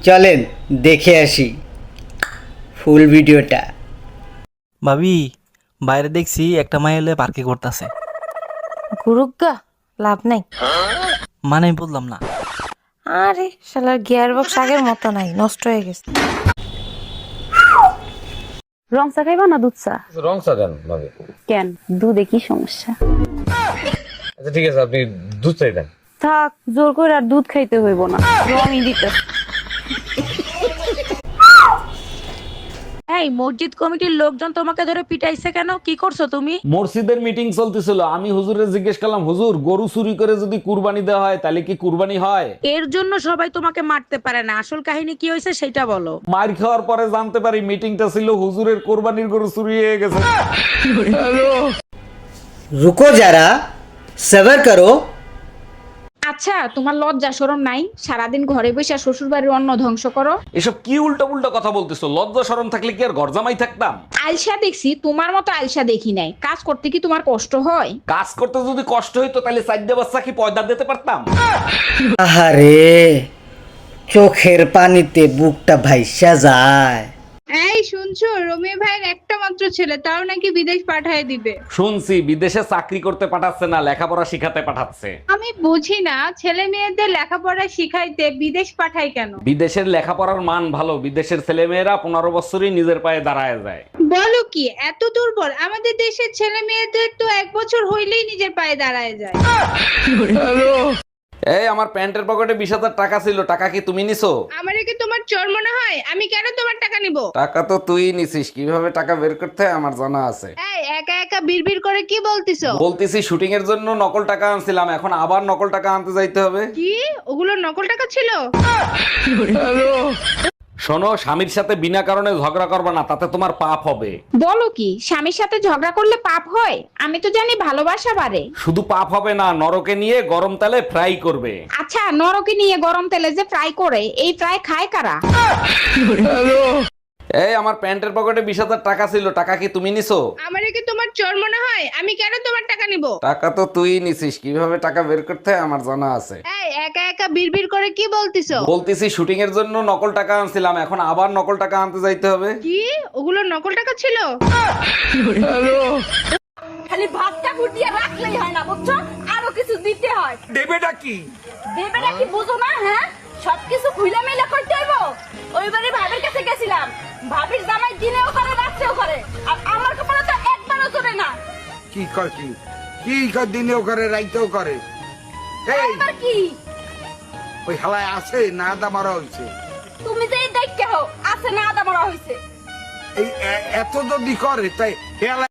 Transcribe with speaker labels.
Speaker 1: চলেন দেখে আসি ফুল ভিডিওটা।
Speaker 2: ভাবি, বাইরে দেখছি একটা মাই এলে পার্কে করতেছে।
Speaker 3: গুরুগা লাভ নাই।
Speaker 2: মানে আমি বললাম না।
Speaker 3: আরে শালার গিয়ার বক্স আগের মতো নাই, নষ্ট হয়ে গেছে।
Speaker 4: রং চা খাইবা না দুধ চা?
Speaker 5: রং চা দেন ভাবি।
Speaker 4: কেন, দুধে কি সমস্যা?
Speaker 5: আচ্ছা ঠিক আছে, আপনি দুধ চাই দেন।
Speaker 4: থাক, জোর করে আর দুধ খাইতে হইব না, রঙই দিতে।
Speaker 6: এই মসজিদ কমিটির লোকজন তোমাকে ধরে পিটাইছে কেন? কি করছো তুমি?
Speaker 7: মসজিদের মিটিং চলতেছিল, আমি হুজুরে জিজ্ঞেস করলাম, হুজুর গরু চুরি করে যদি কুরবানি দেওয়া হয় তাহলে কি কুরবানি হয়?
Speaker 6: এর জন্য সবাই তোমাকে মারতে পারে না, আসল কাহিনী কি হয়েছে সেটা বলো।
Speaker 7: মার খাওয়ার পরে জানতে পারি মিটিংটা ছিল হুজুরের কোরবানির গরু চুরি হয়ে গেছে।
Speaker 1: রুকো যারা, সবার করো।
Speaker 8: আচ্ছা, তোমার লজ্জা শরম নাই? সারাদিন ঘরে বসে শ্বশুর বাড়ির অন্ন ধ্বংস করো।
Speaker 7: এসব কি উল্টো উল্টো কথা বলতেছো? লজ্জা শরম থাকলে কি আর ঘর জামাই থাকতাম?
Speaker 8: আলসা দেখছি, তোমার মতো আলসা দেখি নাই। কাজ করতে কি তোমার কষ্ট হয়?
Speaker 7: কাজ করতে যদি কষ্ট হইতো তাহলে চারটে বাচ্চা কি পয়দা দিতে পারতাম?
Speaker 1: আহারে, চোখের পানিতে বুকটা ভাইসা যায়।
Speaker 9: এই শুনছো, রমি ভাইয়ের একটা মাত্র ছেলে, তাও নাকি বিদেশ পাঠায় দিবে।
Speaker 7: শুনছি বিদেশে চাকরি করতে পাঠাচ্ছে না, লেখাপড়া শিখাতে পাঠাচ্ছে।
Speaker 9: আমি বুঝি না, ছেলে মেয়েদের লেখাপড়া শিখাইতে বিদেশ পাঠায় কেন?
Speaker 7: বিদেশের লেখাপড়ার মান ভালো, বিদেশের ছেলে মেয়েরা 15 বছরই নিজের পায়ে দাঁড়ায় যায়।
Speaker 9: বলো কি, এত দুর্বল? আমাদের দেশের ছেলে মেয়েদের তো 1 বছর হইলেই নিজের পায়ে দাঁড়ায় যায়।
Speaker 7: এই আমার প্যান্টের পকেটে 20,000 টাকা ছিল, টাকা কি তুমি নিছো?
Speaker 9: আমারে কি তোমার চোর মনে হয়? আমি কেন তোমার টাকা নিব?
Speaker 7: টাকা তো তুই নিছিস, কিভাবে টাকা বের করতে হয় আমার জানা আছে।
Speaker 9: এই একা একা বিড়বিড় করে কি বলতিছো?
Speaker 7: বলতেছি শুটিং এর জন্য নকল টাকা আনছিলাম, এখন আবার নকল টাকা আনতে যাইতে হবে।
Speaker 9: কি ওগুলো নকল টাকা ছিল?
Speaker 7: শোনো, স্বামীর সাথে বিনা কারণে ঝগড়া করবে না, তাতে তোমার পাপ হবে।
Speaker 8: বলো কি, স্বামীর সাথে ঝগড়া করলে পাপ হয়? আমি তো জানি ভালোবাসা বাড়ে।
Speaker 7: শুধু পাপ হবে না, নরকে নিয়ে গরম তেলে ফ্রাই করবে।
Speaker 8: আচ্ছা, নরকে নিয়ে গরম তেলে যে ফ্রাই করে, এই ফ্রাই খায় কারা?
Speaker 7: এই আমার প্যান্টের পকেটে 20,000 টাকা ছিল, টাকা কি তুমি নিছো?
Speaker 9: আমারে কি তোমার চোর মনে হয়? আমি কেন তোমার টাকা নিব?
Speaker 7: টাকা তো তুই নিছিস, কিভাবে টাকা বের করতে হয় আমার জানা আছে।
Speaker 9: এই একা একা বিড়বিড় করে কি বলতিছো?
Speaker 7: বলতেছি শুটিং এর জন্য নকল টাকা আনছিলাম, এখন আবার নকল টাকা আনতে যাইতে হবে।
Speaker 9: কি ওগুলো নকল টাকা ছিল?
Speaker 6: খালি ভাতটা ফুটিয়ে রাখলেই হয় না, বুঝছো? আরো কিছু দিতে হয়।
Speaker 7: দেবেটা কি?
Speaker 6: দেবেটা কি বুঝো না? হ্যাঁ, সবকিছু খুইলা মেলা করতে হইব। ওইবারে ভাবির কাছে গেছিলাম, ভাবির জামাই দিনেও করে রাত্রেও করে, আর আমার কপালে তো একবারও চলে না।
Speaker 10: কি কয় কি কি কয়, দিনেও করে রাইতেও করে? এই
Speaker 6: একবার কি
Speaker 10: ওই হালায় আছে না দা মারা হইছে?
Speaker 6: তুমি যে দেখতে হো আছে না আদা মরা হইছে।
Speaker 10: এই এত যদি করে তাই